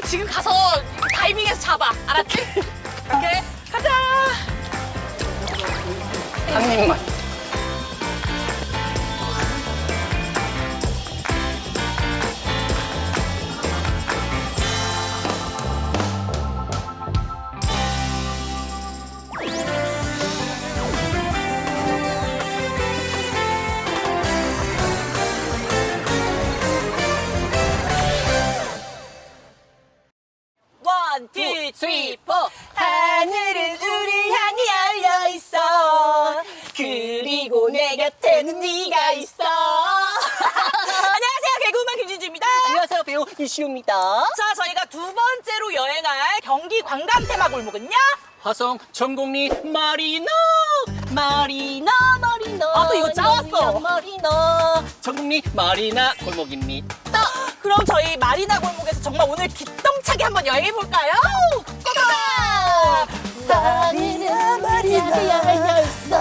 지금 가서 다이빙해서 잡아. 알았지? 오케이, 가자. 한 입만. 원, 투, 쓰리, 포. 하늘은 우리 향해 열려 있어. 그리고 내 곁에는 네가 있어. 안녕하세요, 개그우먼 김진주입니다. 안녕하세요, 배우 이시우입니다. 자, 저희가 두 번째로 여행할 경기 관광 테마 골목은요. 화성 전곡리 마리나 마리나 마리나. 아, 또 이거 짜왔어. 마리나 전곡리 마리나 골목입니다. 그럼 저희 마리나 골목에서 정말 오늘 기똥차게 한번 여행해 볼까요? 고고! 마리나 마리나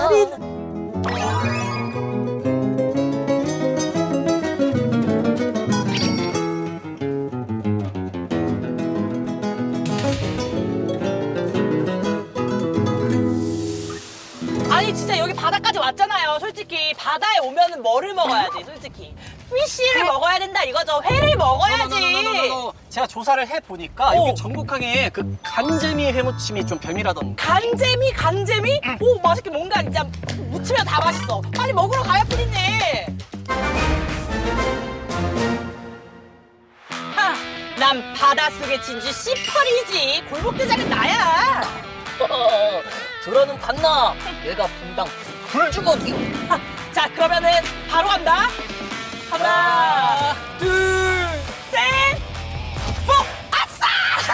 아니 진짜 여기 바다까지 왔잖아요. 솔직히 바다에 오면은 뭐를 먹어야지? 솔직히 피쉬를 먹어야 된다 이거죠. 회를 먹어야지. 제가 조사를 해보니까 오. 여기 전국항에 그 간재미 회무침이 좀 별미라던데. 간재미? 간재미? 오, 맛있게 뭔가 진짜 무치면 다 맛있어. 빨리 먹으러 가야 뿐이네. 하, 난 바닷속의 진주 씨펄이지. 골목대장은 나야. 들어는 봤나? 얘가 분당 불주먹이요. 하, 자, 그러면은 바로 간다. 하나, 둘, 셋, 뽀! 아싸!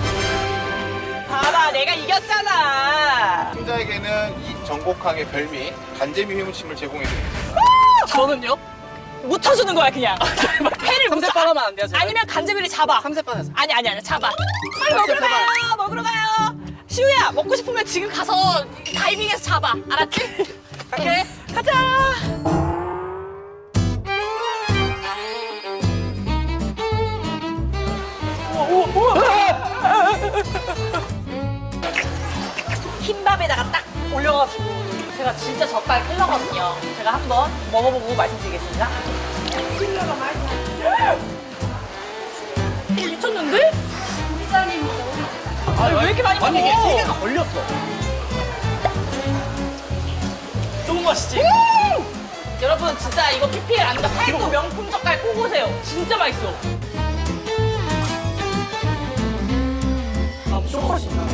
봐봐, 내가 이겼잖아. 승자에게는 이 전곡항의 별미 간재미 회무침을 제공해드립니다. 저는요? 묻혀주는 거야, 그냥. 회를 묻혀. 삼세판 하면 안 돼요, 제가? 아니면 간제비를 잡아. 삼세판에서. 아니, 잡아. 빨리 먹으러 가요, 먹으러 가요. 시우야, 먹고 싶으면 지금 가서 다이빙해서 잡아. 알았지? 오케이, 가자. 흰밥에다가 딱 올려가지고 제가 진짜 젓갈 킬러거든요. 제가 한번 먹어보고 말씀드리겠습니다. 킬러가 맛있어. 미쳤는데? 아니, 왜 이렇게 많이 먹어? 아니 이게 세 개가 걸렸어. 너무 맛있지? 여러분 진짜 이거 PPL 아니다. 팔도 명품 젓갈 꼭 오세요. 진짜 맛있어. 아, 초콜릿 있나?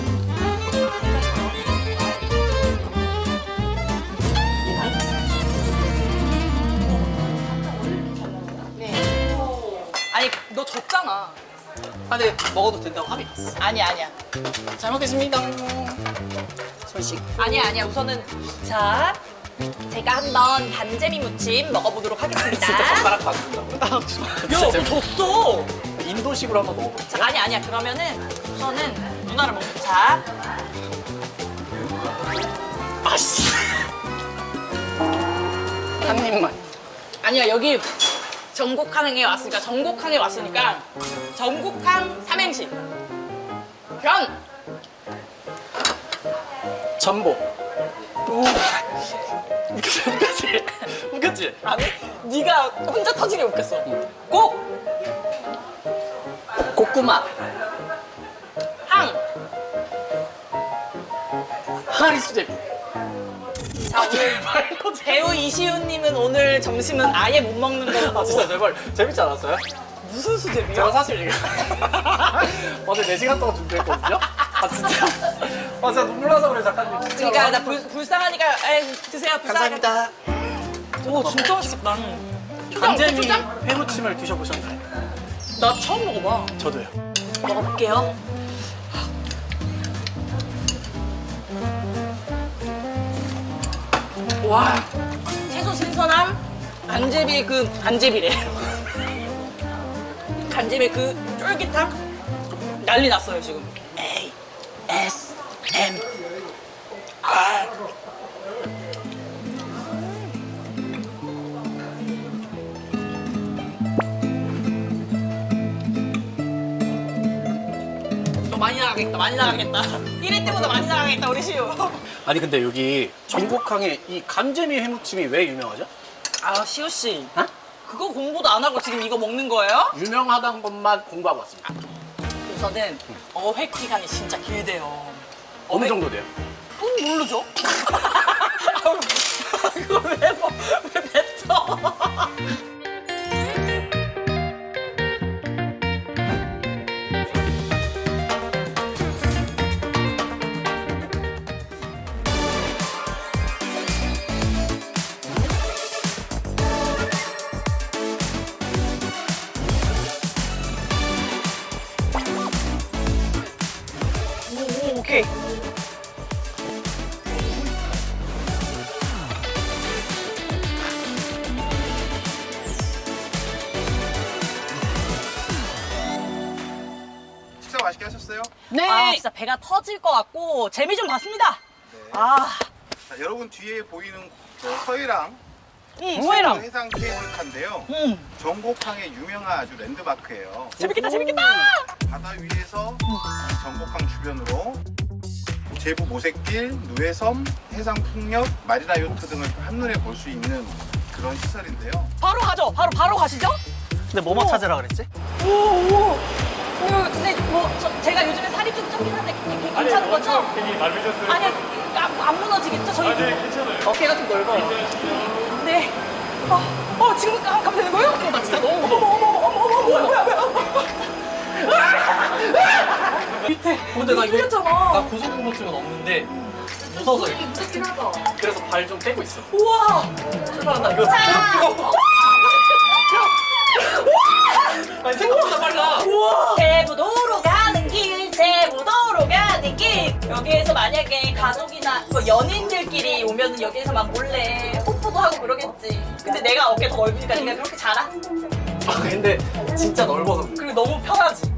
아니 너 졌잖아. 아, 네, 먹어도 된다고 합의 봤어. 아니야. 잘 먹겠습니다. 손씩. 아니야. 우선은 자 제가 한번 간재미 무침 먹어보도록 하겠습니다. 진짜 젓가락 받는다고. 야, 너 졌어. 인도식으로 한번 먹어볼게요. 자, 아니야. 그러면은 우선은 누나를 먹자. 자, 아씨. 한 입만. 아니야 여기 전곡항에 왔으니까 전곡항 삼행시. 변. 전복. 웃겼지? 아니 네가 혼자 터지게 웃겼어. 곡. 고구마. 항. 하리수제비. 자 오늘 배우 이시훈님은 오늘 점심은 아예 못 먹는 걸로 아, 진짜 보고. 제발 재밌지 않았어요? 무슨 수제비야? 제가 사실 이거 어제 4시간 동안 준비했거든요? 아 진짜 아 진짜 눈물 나서 그래 작가님 진짜. 그러니까 나 불쌍하니까 에이, 드세요. 불쌍하니까. 감사합니다. 오 진짜 맛있겠다. 간재미 초장? 회무침을 드셔보셨나요? 나 처음 먹어봐. 저도요. 먹어볼게요. 와, 채소 신선함, 간제비 간제비래. 간제비 쫄깃함 난리 났어요 지금. ASMR. 나가겠다. 많이 나가겠다. 1회 때보다 많이 나가겠다 우리 시우. 아니 근데 여기 전곡항에 이 간재미 회무침이 왜 유명하죠? 아 시우 씨. 어? 그거 공부도 안 하고 지금 이거 먹는 거예요? 유명하다는 것만 공부하고 왔습니다. 우선은 어획 기간이 진짜 길대요. 어느 정도 돼요? 모르죠? 그거 왜 뱉어? 오, 오케이. 식사 맛있게 하셨어요? 네. 아, 진짜 배가 터질 것 같고 재미 좀 봤습니다. 네. 아, 자, 여러분 뒤에 보이는 저 서해랑 소혜랑. 해상 케이블카인데요. 전곡항의 유명한 아주 랜드마크예요. 재밌겠다, 재밌겠다. 바다 위에서 전곡항 주변으로 제부 모색길, 누에섬, 해상 풍력, 마리나 요트 등을 한눈에 볼 수 있는 그런 시설인데요. 바로 가죠. 바로 가시죠. 근데 뭐만 찾으라 그랬지? 오. 근데 뭐 제가 요즘에 살이 좀 쪘긴 한데 괜찮은 거죠? 되게 많으셨어요. 아니, 안 무너지겠죠? 저희 네, 괜찮아요. 어깨가 좀 넓어. 네. 지금 가면 되는 거예요? 나 진짜 너무 무서워. 뭐야. 밑에. 근데 나 이거 뚫렸잖아. 나 고소공포증은 없는데 무서워서 이렇게. 무섭긴 하다. 그래서 발 좀 떼고 있어. 우와. 출발 나 이거. 아니 생각보다 빨라. 세부도로 가는 길, 세부도로 가는 길. 여기에서 만약에 가족이나 뭐 연인들끼리 오면은 여기에서 막 몰래 뽀뽀도 하고 그러겠지. 근데 내가 어깨 더 넓으니까 네가 그렇게 잘하? 아 근데 진짜 넓어서. 그리고 너무 편하지.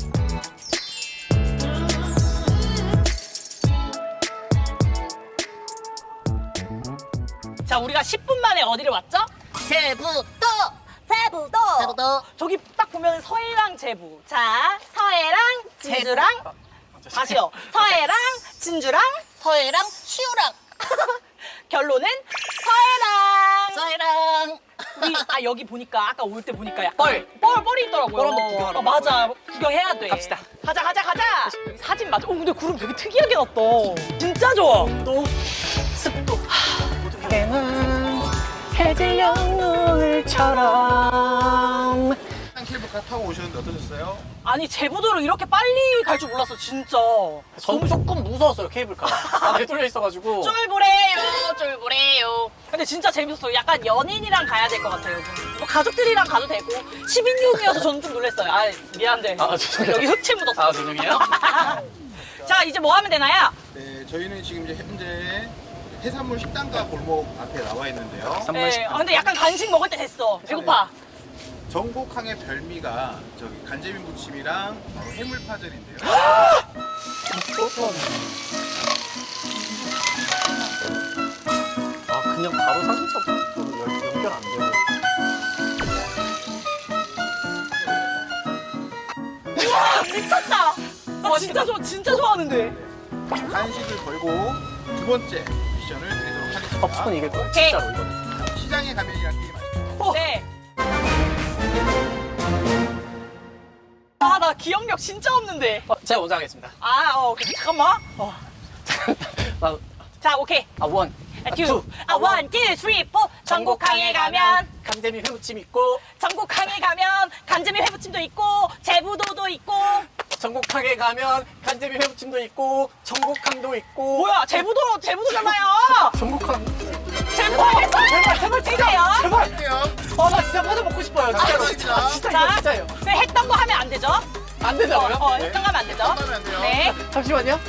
자, 우리가 10분 만에 어디를 왔죠? 세부도 세부도. 저기 딱 보면 서해랑 제부. 자, 서해랑 진주랑 다시요. 서해랑 진주랑 서해랑 시우랑 결론은 서해랑. 여기 보니까 아까 올 때 보니까 약간 뻘이 있더라고요. 뻘 한번 구경하러 맞아. 구경해야 돼. 갑시다. 가자. 여기 사진 맞아. 근데 구름 되게 특이하게 났다. 진짜 좋아. 또 습도. 해는 해질 영물처럼. 해상 케이블카 타고 오셨는데 어떠셨어요? 아니 제부도를 이렇게 빨리 갈 줄 몰랐어 진짜. 전 조금 무서웠어요 케이블카. 안에 뚫려 있어가지고. 쫄보래요. 근데 진짜 재밌었어요. 약간 연인이랑 가야 될 것 같아요. 뭐 가족들이랑 가도 되고 10인용이어서 저는 좀 놀랐어요. 아 미안한데 죄송해요. 여기 흑채 묻었어. 아 죄송해요. 자 이제 뭐 하면 되나요? 네, 저희는 지금 이제 현재 해산물 식당과 골목 앞에 나와 있는데요. 네, 근데 약간 간식 먹을 때 됐어. 배고파. 전곡항의 별미가 저기 간재미 무침이랑 바로 해물파전인데요. 아 그냥 바로 사진첩으로 연결 안 되고. 미쳤다. 나 진짜 좋아하는데. 간식을 걸고 두 번째 미션을 드리도록 하겠습니다. 무조건 이길 거야 오케이. 진짜로 이거는. 시장의 가면이라는 게임 아시죠? 네. 아 나 기억력 진짜 없는데. 제가 먼저 하겠습니다. 잠깐만. 자 오케이. 원. 투. 원, 투, 쓰리, 포. 전곡항에 가면. 간재미 회무침 있고. 전곡항에 가면 간재미 회무침도 있고 제부도도 있고. 전곡항에 가면 간재미 회무침도 있고. 전곡항도 있고. 뭐야 제부도잖아요. 전곡항. 제부도에서 제발 진짜요? 제발. 할게요. 나 진짜 파전 먹고 싶어요. 진짜로. 진짜. 진짜 자, 이거 진짜예요. 네, 했던 거 하면 안 되죠? 안 되잖아요. 했던 거 하면 안 되죠? 하면 안 돼요. 네. 잠시만요.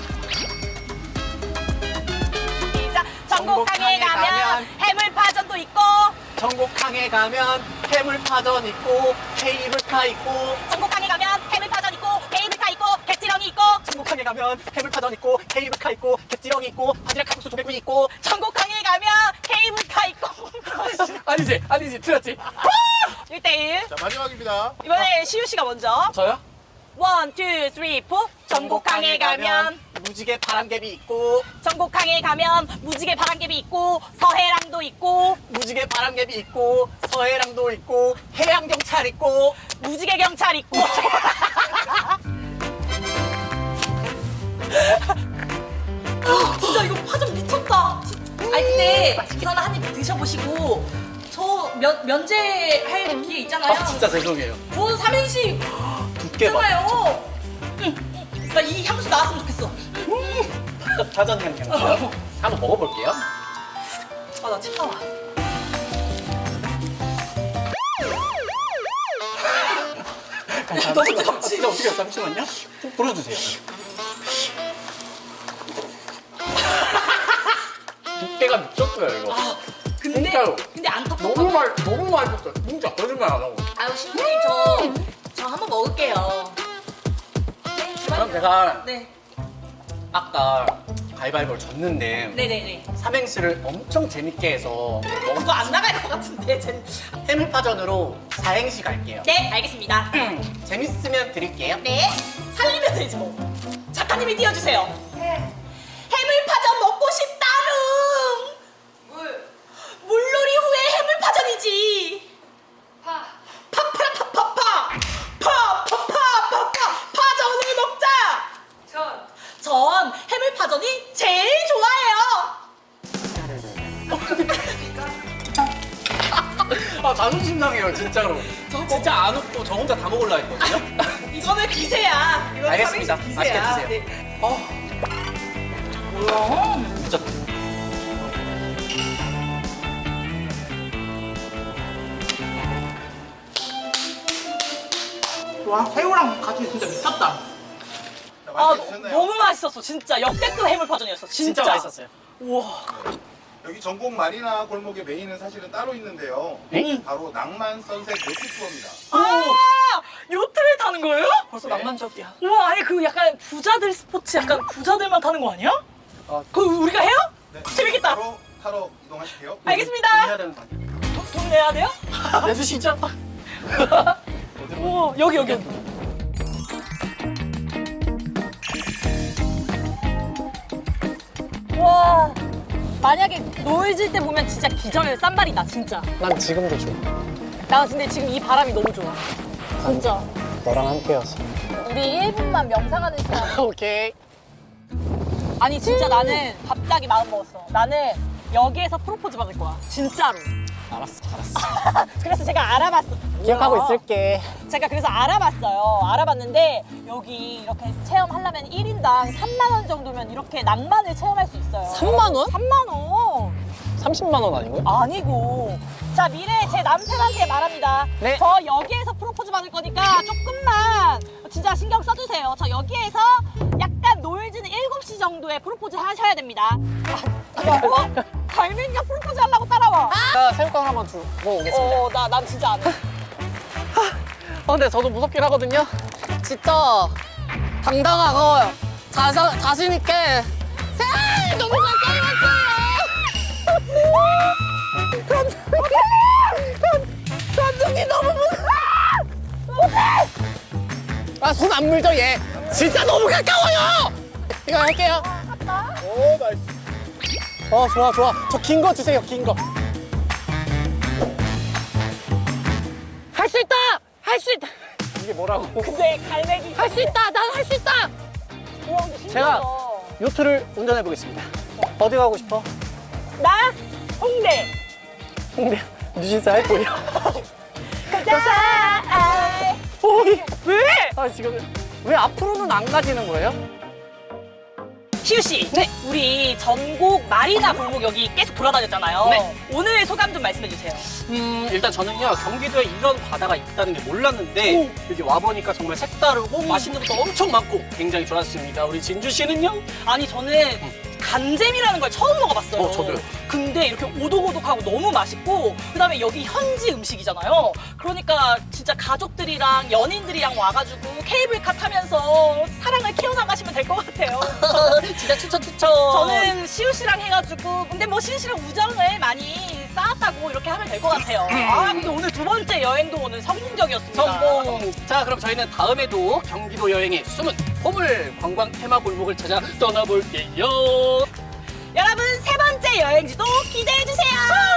시작. 전곡항에 가면 해물파전도 있고. 전곡항에 가면 해물파전 있고 케이블카 있고. 전곡항에 가면 해물파전 있고 케이블카 있고 갯지렁이 있고. 전곡항에 가면 해물파전 있고 케이블카 있고 갯지렁이 있고 바지락 칼국수 조개구이 있고. 전곡항에 가면 케이블카 있고. 아니지 틀렸지. 1대1. 자, 마지막입니다. 이번에 시우 씨가 먼저. 저요? 원, 투, 쓰리, 포. 전곡항에 전곡항에 가면 무지개 바람개비 있고 전곡항에 가면 무지개 바람개비 있고 서해랑도 있고 무지개 바람개비 있고 서해랑도 있고 해양경찰 있고 무지개 경찰 있고 진짜 이거 파전 미쳤다. 아니 근데 우선 한입 드셔보시고 저 면제할 기회 있잖아요. 아 진짜 죄송해요. 저 삼행시 두께 봐. 있잖아요. 나 이 향수 나왔으면 좋겠어. 자전 향 한번 먹어볼게요. 아 나 치파와. 너무 뜨겁지? 진짜 어떻게 해요? 잠시만요. 좀 불어주세요. 두께가 미쳤어요 이거. 아 근데 진짜요? 근데 안 너무 텁텁하고. 너무 맛있었어요. 진짜 거짓말 안 하고. 아유 신부님 저 한번 먹을게요. 네, 그럼 제가 네. 아까 가위바위보를 졌는데 네네네. 삼행시를 엄청 재밌게 해서 그거 안 나갈 것 같은데. 해물파전으로 사행시 갈게요. 네 알겠습니다. 재밌으면 드릴게요. 네 살리면 되지 뭐. 작가님이 띄워주세요. 해물파전 먹고 싶다릉. 물놀이 후에 해물파전이지. 파파파파파 파파파파파 파전을 먹자. 전 해물파전이 제일 좋아해요. 아 자존심 상해요 진짜로. 진짜 안 웃고 저 혼자 다 먹으려 했거든요. 이거는 기세야. 이거는 알겠습니다. 삼행시 맛있게 기세야. 드세요. 네. 뭐야? 진짜 와 새우랑 같이 진짜 미쳤다. 아 드셨나요? 너무 맛있었어 진짜 역대급 해물파전이었어 진짜. 진짜 맛있었어요. 우와. 여기 전곡 마리나 골목의 메인은 사실은 따로 있는데요. 네? 바로 낭만 선셋 요트 투어입니다. 아 요트를 타는 거예요? 벌써 네. 낭만적이야. 우와 아니 그 약간 부자들 스포츠 약간 부자들만 타는 거 아니야? 아, 그거 우리가 해요? 네. 재밌겠다. 바로 타러 이동하실게요. 알겠습니다. 해야 되는 거 아니야? 돈 내야 돼요? 내주시죠. 우와 여기. 와 만약에 노을 질 때 보면 진짜 기절 쌈발이다 진짜. 난 지금도 좋아. 나 근데 지금 이 바람이 너무 좋아. 진짜. 너랑 함께여서. 우리 1분만 명상하는 시간. 오케이. 아니 진짜 나는 갑자기 마음 먹었어. 나는 여기에서 프로포즈 받을 거야. 진짜로. 알았어. 그래서 제가 알아봤어. 기억하고 뭐야. 있을게. 제가 그래서 알아봤어요. 알아봤는데 여기 이렇게 체험하려면 1인당 3만 원 정도면 이렇게 낭만을 체험할 수 있어요. 3만 원? 3만 원? 30만 원 아니고요? 아니고. 자 미래 제 남편한테 말합니다. 네. 저 여기에서 프로포즈 받을 거니까 조금만 진짜 신경 써주세요. 저 여기에서 약간 노을지는 7시 정도에 프로포즈 하셔야 됩니다. 뭐? 갈매기가 프로포즈 하려고 따라와. 새우깡 한번 주고 오겠습니다. 난 진짜 안 해. 근데 저도 무섭긴 하거든요. 진짜 당당하고 자신 있게 너무 가까이 왔어요. 감독이 너무 무서워. 아, 손 안 물죠 얘. 진짜 너무 가까워요. 이거 할게요. 오, 나이스. 좋아. 저 긴 거 주세요, 긴 거. 할 수 있다! 할 수 있다! 이게 뭐라고? 근데 갈매기. 할 수 있다! 난 할 수 있다! 우와 근데 신기하다. 제가 요트를 운전해 보겠습니다. 어디 가고 싶어? 나 홍대. 홍대 뉴진스 할 거예요. 가자. 오이. 왜? 아 지금 왜 앞으로는 안 가지는 거예요? 희우 씨, 네. 우리 전곡 마리나 골목 여기 계속 돌아다녔잖아요. 네. 오늘 소감 좀 말씀해 주세요. 일단 저는요 경기도에 이런 바다가 있다는 게 몰랐는데 여기 와보니까 정말 색다르고 맛있는 것도 엄청 많고 굉장히 좋았습니다. 우리 진주 씨는요? 아니 저는 간잼이라는 걸 처음 먹어봤어요. 저도요. 근데 이렇게 오독오독하고 너무 맛있고 그다음에 여기 현지 음식이잖아요. 그러니까 진짜 가족들이랑 연인들이랑 와가지고 케이블카 타면서 사랑을 키워나가시면 될 것 같아요. 진짜 추천. 저는 시우 씨랑 해가지고 근데 뭐 시우 씨랑 우정을 많이 쌓았다고 이렇게 하면 될 것 같아요. 아 근데 오늘 두 번째 여행도 오늘 성공적이었습니다. 성공! 자, 그럼 저희는 다음에도 경기도 여행의 숨은 보물 관광 테마 골목을 찾아 떠나볼게요. 여러분 세 번째 여행지도 기대해 주세요.